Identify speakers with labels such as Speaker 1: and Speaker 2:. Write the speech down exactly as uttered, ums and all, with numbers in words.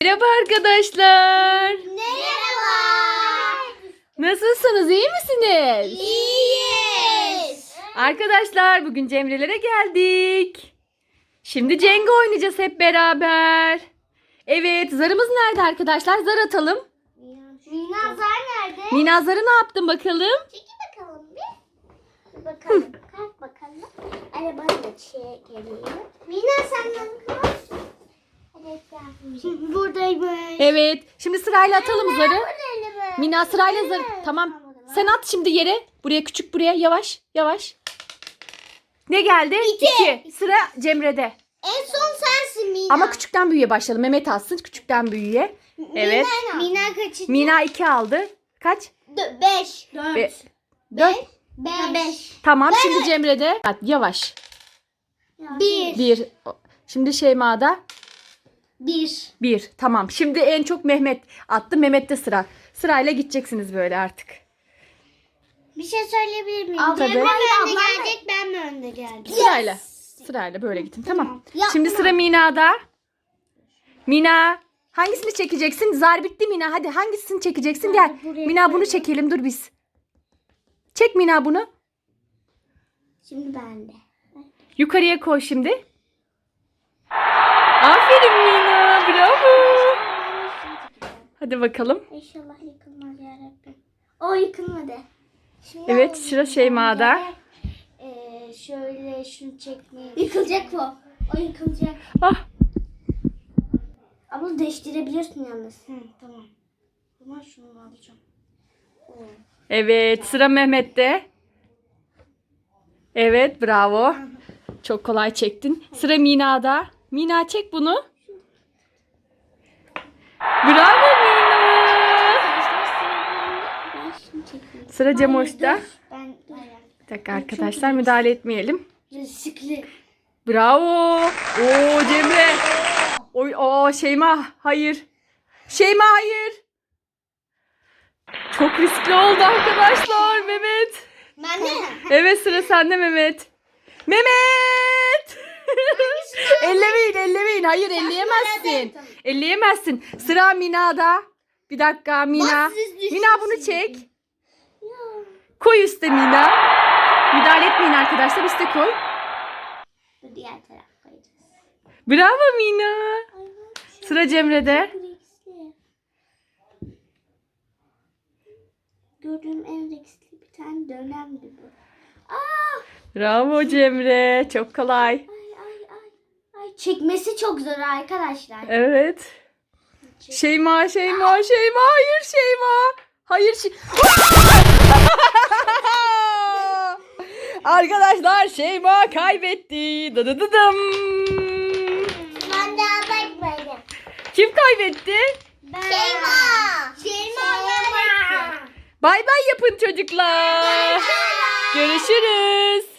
Speaker 1: Merhaba arkadaşlar.
Speaker 2: Merhaba.
Speaker 1: Nasılsınız? İyi misiniz?
Speaker 2: İyiyiz.
Speaker 1: Arkadaşlar bugün Cemre'lere geldik. Şimdi Cenga oynayacağız hep beraber. Evet, zarımız nerede arkadaşlar? Zar atalım.
Speaker 2: Mina zar nerede?
Speaker 1: Mina zarı ne yaptın bakalım?
Speaker 2: Çekil bakalım bir. Bir bakalım. Kalk bakalım. Arabanı da çekelim. Mina senden kalk. Evet yapmışım. Buradaymış.
Speaker 1: Evet, şimdi sırayla atalım zarı.
Speaker 2: Buradaymış.
Speaker 1: Mina sırayla zarı. Tamam. Sen at şimdi yere. Buraya küçük buraya. Yavaş yavaş. Ne geldi?
Speaker 2: İki.
Speaker 1: Sıra Cemre'de.
Speaker 2: En son sensin Mina.
Speaker 1: Ama küçükten büyüğe başlayalım. Mehmet alsın küçükten büyüğe. Evet.
Speaker 2: Mina kaçıncı?
Speaker 1: Mina iki aldı. Kaç?
Speaker 2: Dö- beş. Dört.
Speaker 1: Be- Dört.
Speaker 2: Beş. Beş.
Speaker 1: Tamam şimdi Cemre'de. Hadi yavaş.
Speaker 2: Bir.
Speaker 1: Bir. Şimdi Şeyma'da.
Speaker 2: Bir.
Speaker 1: Bir. Tamam. Şimdi en çok Mehmet attı. Mehmet'te sıra. Sırayla gideceksiniz böyle artık.
Speaker 2: Bir şey söyleyebilir miyim?
Speaker 1: Tabii.
Speaker 2: Cemre mi önde gelecek, ben mi önde geleceğim?
Speaker 1: Sırayla. Sırayla böyle gidin. Tamam.
Speaker 2: Tamam. Ya,
Speaker 1: Şimdi
Speaker 2: tamam.
Speaker 1: sıra Mina'da. Mina. Hangisini çekeceksin? Zar bitti Mina. Hadi hangisini çekeceksin? Gel.
Speaker 2: buraya
Speaker 1: Mina bunu
Speaker 2: koyalım.
Speaker 1: çekelim. Dur biz. Çek Mina bunu.
Speaker 2: Şimdi ben de.
Speaker 1: Yukarıya koy şimdi. Aferin Mina. Bravo. Hadi bakalım.
Speaker 2: İnşallah yıkılmaz yarabbim. O yıkılmadı. Şimdi
Speaker 1: Evet,
Speaker 2: o
Speaker 1: sıra Şeyma'da.
Speaker 2: Ee, şöyle şunu çekmeye. Yıkılacak o. O yıkılacak.
Speaker 1: Ah.
Speaker 2: Ama değiştirebilirsin yalnız. Hı, tamam. Ama şunu alacağım. Oo.
Speaker 1: Evet, sıra Mehmet'te. Evet, bravo. Çok kolay çektin. Sıra Mina'da. Mina çek bunu. Bravo Mina.
Speaker 2: Arkadaşlar sıra bende. Ben şunu çekeyim.
Speaker 1: Sıra Cemoş'ta.
Speaker 2: Hayır, dur. Ben
Speaker 1: Bir dakika arkadaşlar, müdahale etmeyelim.
Speaker 2: riskli.
Speaker 1: Bravo. Oo Cemre. Oy, o Şeyma hayır. Şeyma hayır. Çok riskli oldu arkadaşlar Mehmet.
Speaker 2: Ben de.
Speaker 1: Evet sıra sende Mehmet. Mehmet. ellemeyin ellemeyin. Hayır elleyemezsin.
Speaker 2: Tamam.
Speaker 1: Elleyemezsin. Sıra Mina'da. Bir dakika Mina.
Speaker 2: Bak, siz düşün-
Speaker 1: Mina bunu çek. Koy üstte Mina. Müdahale etmeyin arkadaşlar. Üste koy.
Speaker 2: Bu diğer taraf koyacağız.
Speaker 1: Bravo Mina. Sıra Cemre'de.
Speaker 2: Riskli. Gördüğüm en riskli bir tane dönemdi bu. Aa!
Speaker 1: Bravo Cemre. Çok kolay.
Speaker 2: Ay ay ay. Ay çekmesi çok zor arkadaşlar.
Speaker 1: Evet. Şeyma, Şeyma, Şeyma. Hayır Şeyma. Hayır şey... Arkadaşlar Şeyma kaybetti. Dıdıdıdım.
Speaker 2: Ben daha bakmadım.
Speaker 1: Kim kaybetti?
Speaker 2: Ben. Şeyma. Şeyma.
Speaker 1: Bay bay yapın çocuklar. Görüşürüz.